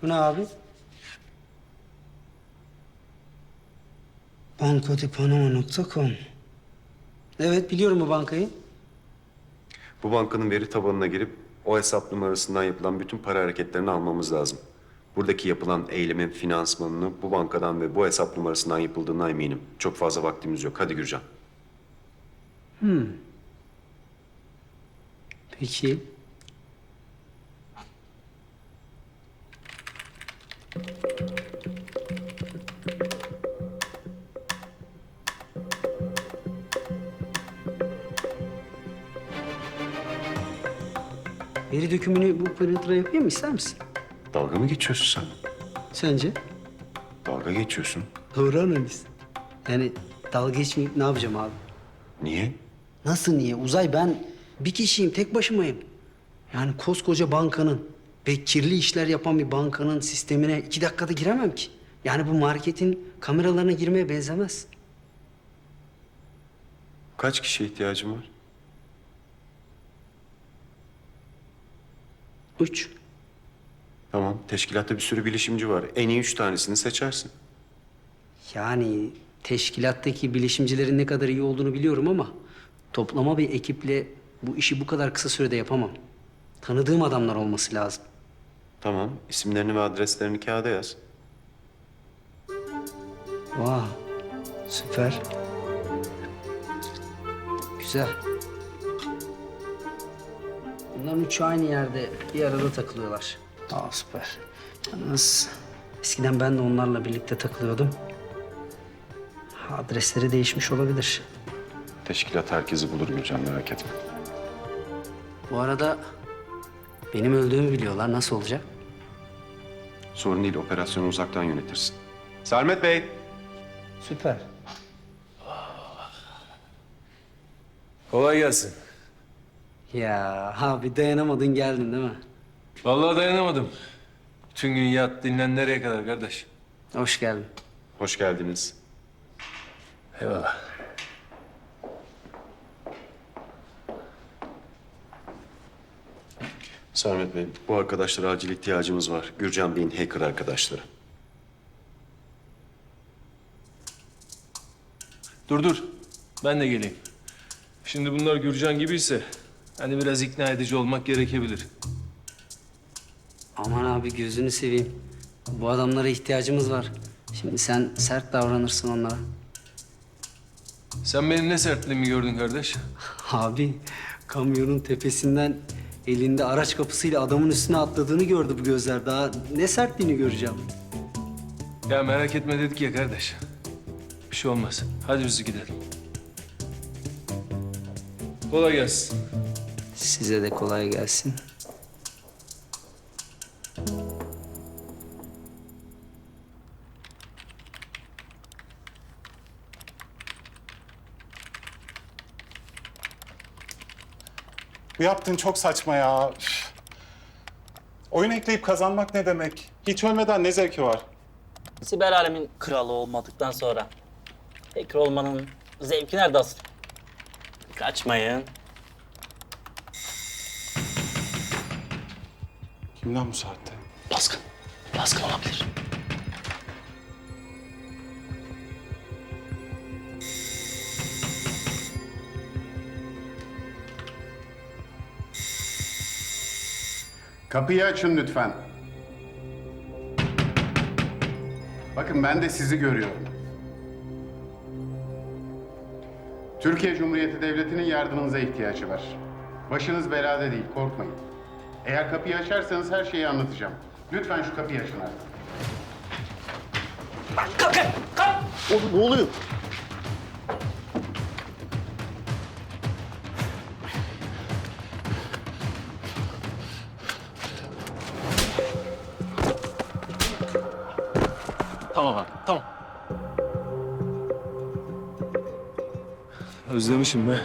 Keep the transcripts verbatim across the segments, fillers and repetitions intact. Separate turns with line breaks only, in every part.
Bu ne abi? bankodepanama nokta com. Evet, biliyorum bu bankayı.
Bu bankanın veri tabanına girip o hesap numarasından yapılan bütün para hareketlerini almamız lazım. Buradaki yapılan eylemin finansmanını bu bankadan ve bu hesap numarasından yapıldığına eminim. Çok fazla vaktimiz yok. Hadi Gürcan.
Peki. Veri dökümünü bu printer'a yapayım mı, ister misin?
Dalga mı geçiyorsun sen?
Sence?
Dalga geçiyorsun.
Doğru analiz. Yani dalga geçmeyip ne yapacağım abi?
Niye?
Nasıl niye? Uzay, ben bir kişiyim, tek başımayım. Yani koskoca bankanın ve kirli işler yapan bir bankanın sistemine iki dakikada giremem ki. Yani bu marketin kameralarına girmeye benzemez.
Kaç kişiye ihtiyacın var?
Üç.
Tamam. Teşkilatta bir sürü bilişimci var. En iyi üç tanesini seçersin.
Yani teşkilattaki bilişimcilerin ne kadar iyi olduğunu biliyorum ama toplama bir ekiple bu işi bu kadar kısa sürede yapamam. Tanıdığım adamlar olması lazım.
Tamam. İsimlerini ve adreslerini kağıda yaz.
Vay, süper. Güzel. Bunların üçü aynı yerde bir arada takılıyorlar. Aa, süper. Yalnız eskiden ben de onlarla birlikte takılıyordum. Adresleri değişmiş olabilir.
Teşkilat herkesi bulur Gürcan, merak etme.
Bu arada benim öldüğümü biliyorlar. Nasıl olacak?
Sorun değil. Operasyonu uzaktan yönetirsin. Sermet Bey.
Süper.
Kolay gelsin.
Ya abi, dayanamadın geldin değil mi?
Vallahi dayanamadım. Bütün gün yat, dinlen nereye kadar kardeş?
Hoş geldin.
Hoş geldiniz.
Eyvallah.
Sermet Bey, bu arkadaşlara acil ihtiyacımız var. Gürcan Bey'in hacker arkadaşları.
Dur dur. Ben de geleyim. Şimdi bunlar Gürcan gibiyse hani biraz ikna edici olmak gerekebilir.
Aman abi, gözünü seveyim. Bu adamlara ihtiyacımız var. Şimdi sen sert davranırsın onlara.
Sen benim ne sertliğimi gördün kardeş?
Abi, kamyonun tepesinden elinde araç kapısıyla adamın üstüne atladığını gördü bu gözler. Daha ne sertliğini göreceğim.
Ya merak etme dedik ya kardeş. Bir şey olmaz. Hadi biz gidelim. Kolay gelsin.
Size de kolay gelsin.
Bu yaptığın çok saçma ya. Üf. Oyun ekleyip kazanmak ne demek? Hiç ölmeden ne zevki var?
Siber alemin kralı olmadıktan sonra hacker olmanın zevki nerede asıl? Kaçmayın.
Kim lan bu saatte?
Baskın. Baskın olabilir.
Kapıyı açın lütfen. Bakın, ben de sizi görüyorum. Türkiye Cumhuriyeti Devleti'nin yardımınıza ihtiyacı var. Başınız belada değil, korkmayın. Eğer kapıyı açarsanız her şeyi anlatacağım. Lütfen şu kapıyı açın artık.
Kalkın! Kalk!
Oğlum ne oluyor?
Tamam abi, tamam.
Özlemişim be.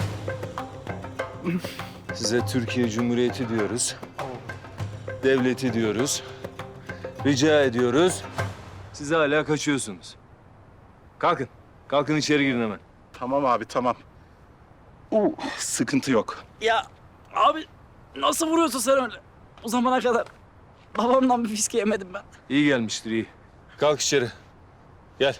Size Türkiye Cumhuriyeti diyoruz. Devleti diyoruz. Rica ediyoruz. Siz hala kaçıyorsunuz. Kalkın. Kalkın içeri girin hemen.
Tamam abi, tamam. Uh, sıkıntı yok.
Ya abi nasıl vuruyorsun sen öyle? O zamana kadar Babamdan bir fiske yemedim ben.
İyi gelmiştir iyi. Kalk içeri. Gel.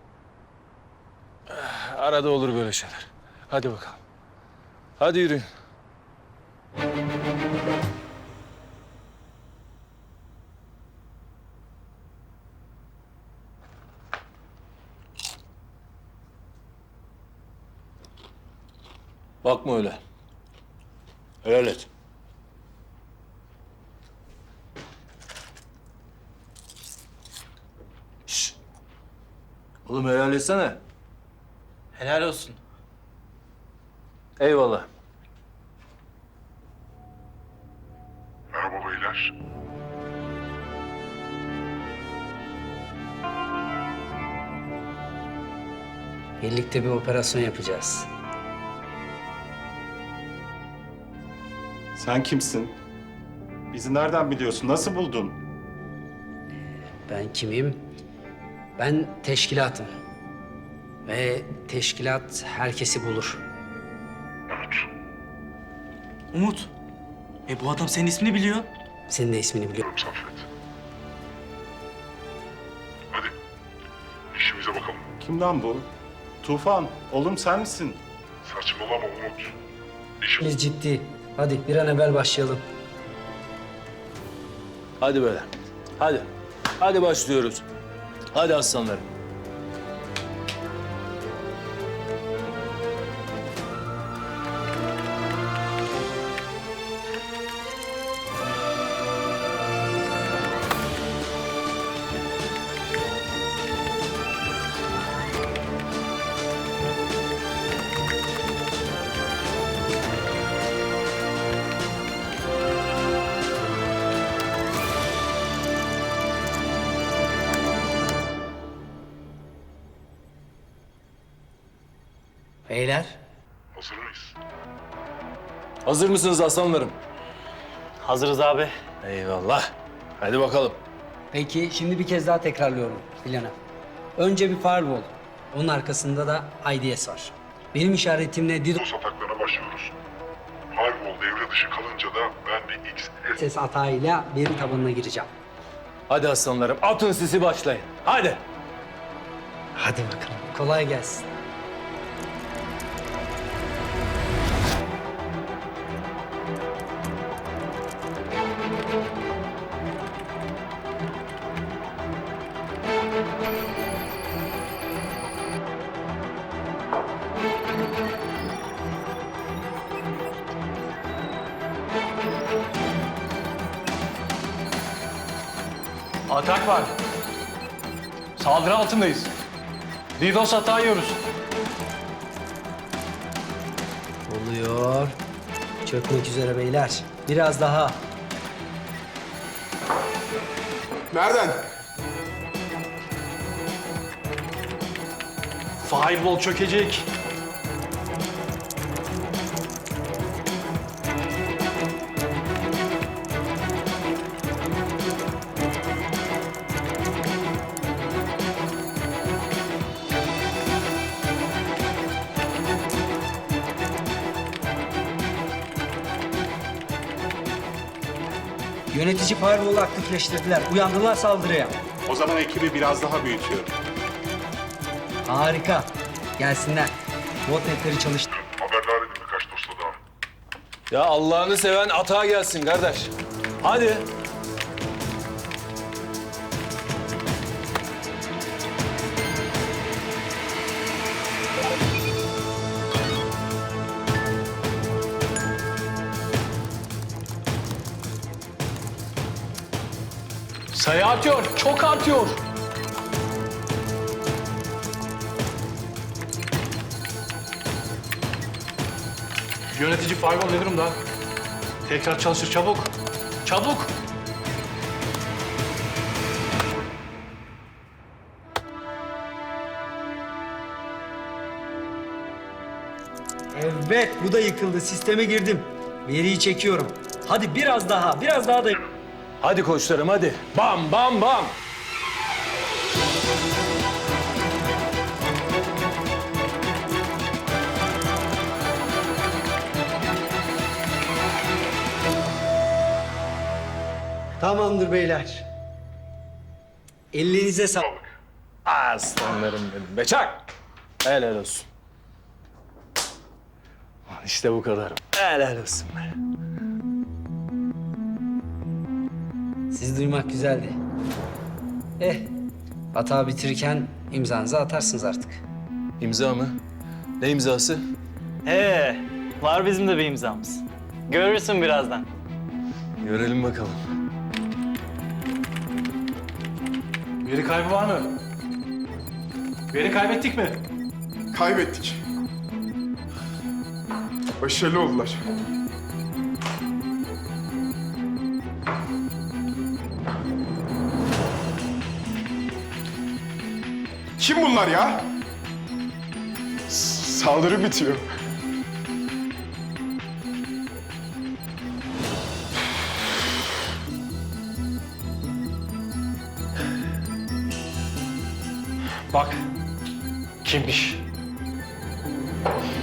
Ah, Arada olur böyle şeyler. Hadi bakalım. Hadi yürüyün. Bakma öyle. Helal et. Şşş. Oğlum helal etsene.
Helal olsun.
Eyvallah.
Merhaba beyler.
Birlikte bir operasyon yapacağız.
Sen kimsin? Bizi nereden biliyorsun? Nasıl buldun?
Ben kimim? Ben teşkilatım. Ve teşkilat herkesi bulur.
Umut. E bu adam senin ismini biliyor.
Senin de ismini biliyorum.
Saffet. Hadi. İşimize bakalım.
Kim lan bu? Tufan, oğlum sen misin?
Saçmalama Umut. İşim...
Biz ciddi. Hadi bir an evvel başlayalım.
Hadi böyle. Hadi. Hadi başlıyoruz. Hadi aslanlarım.
Beyler,
Hazır mıyız?
Hazır mısınız aslanlarım?
Hazırız abi.
Eyvallah. Hadi bakalım.
peki şimdi bir kez daha tekrarlıyorum planı. Önce bir firewall. Onun arkasında da I D S var. Benim işaretimle
DDoS ataklarına başlıyoruz. Firewall devre dışı kalınca da ben bir X S
ses atağıyla veri tabanına gireceğim.
Hadi aslanlarım. Atın sisi başlayın. Hadi.
Hadi bakalım. Kolay gelsin.
Atak var. Saldırı altındayız. DDoS hata yiyoruz.
Oluyor. Çökmek üzere beyler. Biraz daha.
Nereden?
Firewall çökecek.
Yönetici firewall'u aktifleştirdiler. Uyandılar saldırıya.
O zaman ekibi biraz daha büyütüyorum.
Harika. Gelsinler. Botnetleri çalıştır.
Haberdar edin birkaç dosta daha.
Ya Allah'ını seven atağa gelsin kardeş. Hadi.
Sayı artıyor, çok artıyor. Yönetici firewall ne durumda? Tekrar çalışır, çabuk. Çabuk.
Evet, bu da yıkıldı. Sisteme girdim. Veriyi çekiyorum. Hadi biraz daha, biraz daha da...
Hadi koçlarım hadi. Bam bam bam.
Tamamdır beyler. Elinize sağlık.
Aslanlarım benim. Beçak! Helal olsun. Lan İşte bu kadar. Helal olsun be.
Sizi duymak güzeldi. Eh, hata bitirirken imzanızı atarsınız artık.
İmza mı? Ne imzası?
Ee, var bizim de bir imzamız. Görürsün birazdan.
Görelim bakalım.
Veri kaybı var mı? Veri kaybettik mi?
Kaybettik. Başarılı oldular. Kim bunlar ya? S- Saldırı bitiyor.
Bak. Kimmiş?